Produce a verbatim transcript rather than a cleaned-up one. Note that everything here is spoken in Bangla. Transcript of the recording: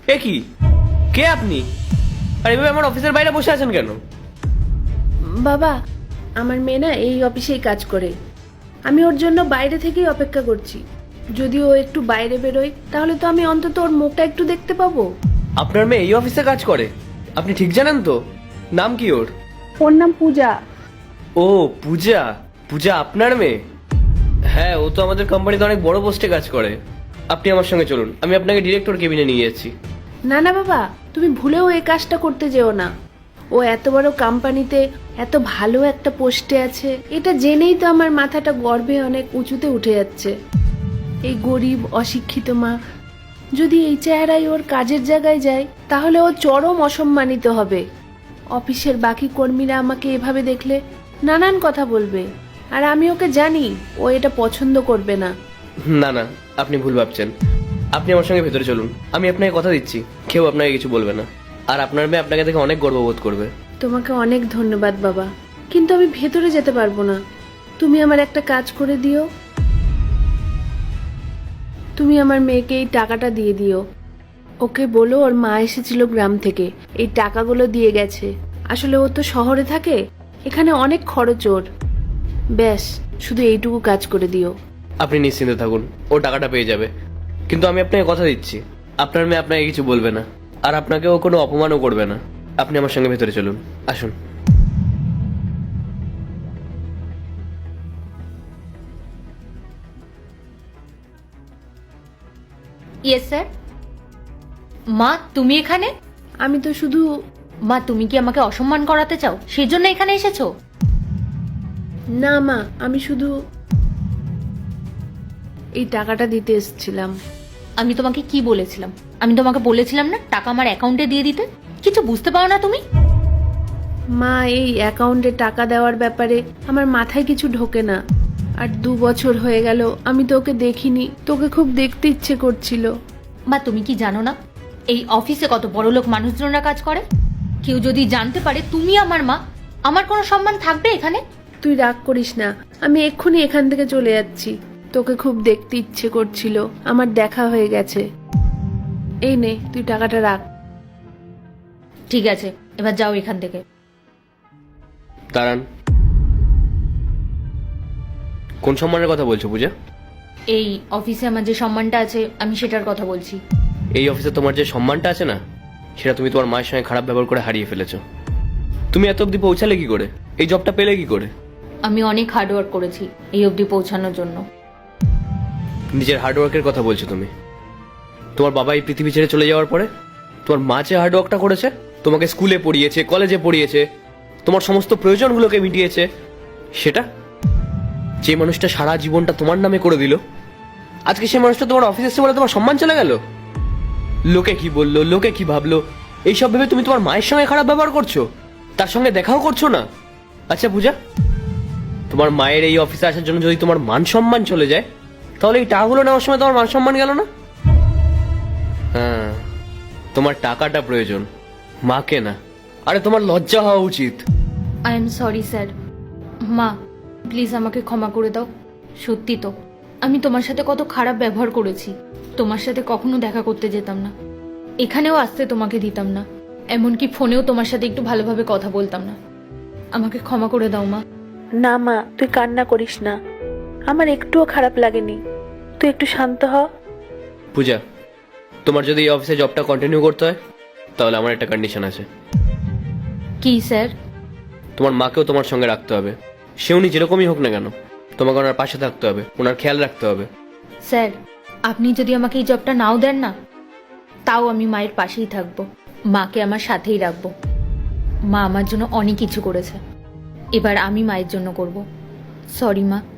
এ কি, কে আপনি? আর এভাবে আমার অফিসের বাইরে বসে আছেন কেন? বাবা, আমার মেয়ে না এই অফিসেই কাজ করে। আমি ওর জন্য বাইরে থেকেই অপেক্ষা করছি। যদি ও একটু বাইরে বেরোয় তাহলে তো আমি অন্তত ওর মুখটা একটু দেখতে পাবো। আপনার মেয়ে এই অফিসে কাজ করে? আপনি ঠিক জানেন তো? নাম কি ওর? ওর নাম পূজা। ও পূজা। পূজা আপনার মেয়ে? হ্যাঁ, ও তো আমাদের কোম্পানিতে অনেক বড় পোস্টে কাজ করে। আপনি আমার সঙ্গে চলুন, আমি আপনাকে ডিরেক্টর কেবিনে নিয়ে যাচ্ছি। না না বাবা, তুমি ভুলেও এই কাজটা করতে যেও না। ও এত বড় কোম্পানিতে এত ভালো একটা পোস্টে আছে, এটা জেনেই তো আমার মাথাটা গর্বে অনেক উঁচুতে উঠে যাচ্ছে। এই গরিব অশিক্ষিত মা যদি এই চেহারায় ওর কাজের জায়গায় যায় তাহলে ও চরম অসম্মানিত হবে। অফিসের বাকি কর্মীরা আমাকে এভাবে দেখলে নানান কথা বলবে, আর আমি ওকে জানি ও এটা পছন্দ করবে না। না না, আপনি ভুল ভাবছেন। আপনি আমার সঙ্গে ভেতরে চলুন, আমি আপনাকে কথা দিচ্ছি কেউ আপনাকে কিছু বলবে না। আর আপনার মেয়ে আপনাকে দেখে অনেক গর্ববোধ করবে। তোমাকে অনেক ধন্যবাদ বাবা, কিন্তু আমি ভেতরে যেতে পারবো না। তুমি আমার একটা কাজ করে দিও। তুমি আমার মেয়েকে এই টাকাটা দিয়ে দিও। ওকে বলো ওর মা এসেছিল গ্রাম থেকে, এই টাকাগুলো দিয়ে গেছে। আসলে ও তো শহরে থাকে, এখানে অনেক খরচ ওর। ব্যাস, শুধু এইটুকু কাজ করে দিও। আপনি নিশ্চিন্তে থাকুন, ও টাকাটা পেয়ে যাবে। কিন্তু আমি আপনাকে কথা দিচ্ছি, আপনার মেয়ে আপনাকে কিছু বলবে না, আর আপনাকে ও কোনো অপমানও করবে না। আপনি আমার সঙ্গে ভেতরে চলুন, আসুন। Yes sir. মা তুমি এখানে? আমি তো শুধু মা তুমি কি আমাকে অসম্মান করাতে চাও, সেই জন্য এখানে এসেছো? না মা, আমি শুধু এই টাকাটা দিতে এসেছিলাম। আমি তোমাকে কি বলেছিলাম? আমি তোমাকে বলেছিলাম না টাকা আমার অ্যাকাউন্টে দিয়ে দিতে? কিছু বুঝতে পারো না তুমি? মা, এই অ্যাকাউন্টে টাকা দেওয়ার ব্যাপারে আমার মাথায় কিছু ঢোকে না। আর দু বছর হয়ে গেল আমি তোকে দেখিনি, তোকে খুব দেখতে ইচ্ছে করছিল। মা তুমি কি জানো না এই অফিসে কত বড় লোক মানুষজনরা কাজ করে? কেউ যদি জানতে পারে তুমি আমার মা, আমার কোনো সম্মান থাকবে এখানে? তুই রাগ করিস না, আমি এক্ষুনি এখান থেকে চলে যাচ্ছি। তোকে খুব দেখতে ইচ্ছে করছিল, আমার দেখা হয়ে গেছে। এই নে, তুই টাকাটা রাখ। ঠিক আছে, এবার যাও এখান থেকে। দাঁড়ান, কোন সম্মানের কথা বলছো পূজা? এই অফিসে আমার যে সম্মানটা আছে আমি সেটার কথা বলছি। এই অফিসে তোমার যে সম্মানটা আছে না, সেটা তুমি তোমার মায়ের সঙ্গে খারাপ ব্যবহার করে হারিয়ে ফেলেছো। তুমি এত অবধি পৌঁছালে কি করে? এই জবটা পেলে কি করে? আমি অনেক হার্ডওয়ার্ক করেছি এই অবধি পৌঁছানোর জন্য। নিজের হার্ডওয়ার্কের কথা বলছো তুমি? তোমার বাবা এই পৃথিবী ছেড়ে চলে যাওয়ার পরে তোমার মা যে হার্ডওয়ার্কটা করেছে, তোমাকে স্কুলে পড়িয়েছে, কলেজে পড়িয়েছে, তোমার সমস্ত প্রয়োজনগুলোকে মিটিয়েছে, সেটা যে মানুষটা সারা জীবনটা তোমার নামে করে দিল, আজকে সে মানুষটা তোমার অফিসে এসে বলে তোমার সম্মান চলে গেল। লোকে কি বললো, লোকে কি ভাবলো, এইসব ভেবে তুমি তোমার মায়ের সঙ্গে খারাপ ব্যবহার করছো, তার সঙ্গে দেখাও করছো না। আচ্ছা পূজা, তোমার মায়ের এই অফিসে আসার জন্য যদি তোমার মান সম্মান চলে যায়, তাহলে এই টাকাগুলো নেওয়ার সময় তোমার মান সম্মান গেল না? হ্যাঁ, তোমার টাকাটা প্রয়োজন, মাকে না। আরে তোমার লজ্জা হওয়া উচিত। I am sorry sir. মা প্লিজ আমাকে ক্ষমা করে দাও। সত্যি তো আমি তোমার সাথে কত খারাপ ব্যবহার করেছি। তোমার সাথে কখনো দেখা করতে যেতাম না, এখানেও আসতে তোমাকে দিতাম না, এমনকি ফোনেও তোমার সাথে একটু ভালোভাবে কথা বলতাম না। আমাকে ক্ষমা করে দাও মা। না মা, তুই কান্না করিস না, আমার একটুও খারাপ লাগেনি। তুই একটু শান্ত হ। পূজা, তোমার যদি এই অফিসে জবটা কন্টিনিউ করতে হয়, তাহলে আমার একটা কন্ডিশন আছে। কি স্যার? তোমার মাকেও তোমার সঙ্গে রাখতে হবে। সে উনি যেরকমই হোক না কেন, তোমাকে ওনার পাশে থাকতে হবে, ওনার খেয়াল রাখতে হবে। স্যার আপনি যদি আমাকে এই জবটা নাও দেন না, তাও আমি মায়ের পাশেই থাকবো, মাকে আমার সাথেই রাখবো। মা আমার জন্য অনেক কিছু করেছে, এবার আমি মায়ের জন্য করব। সরি মা।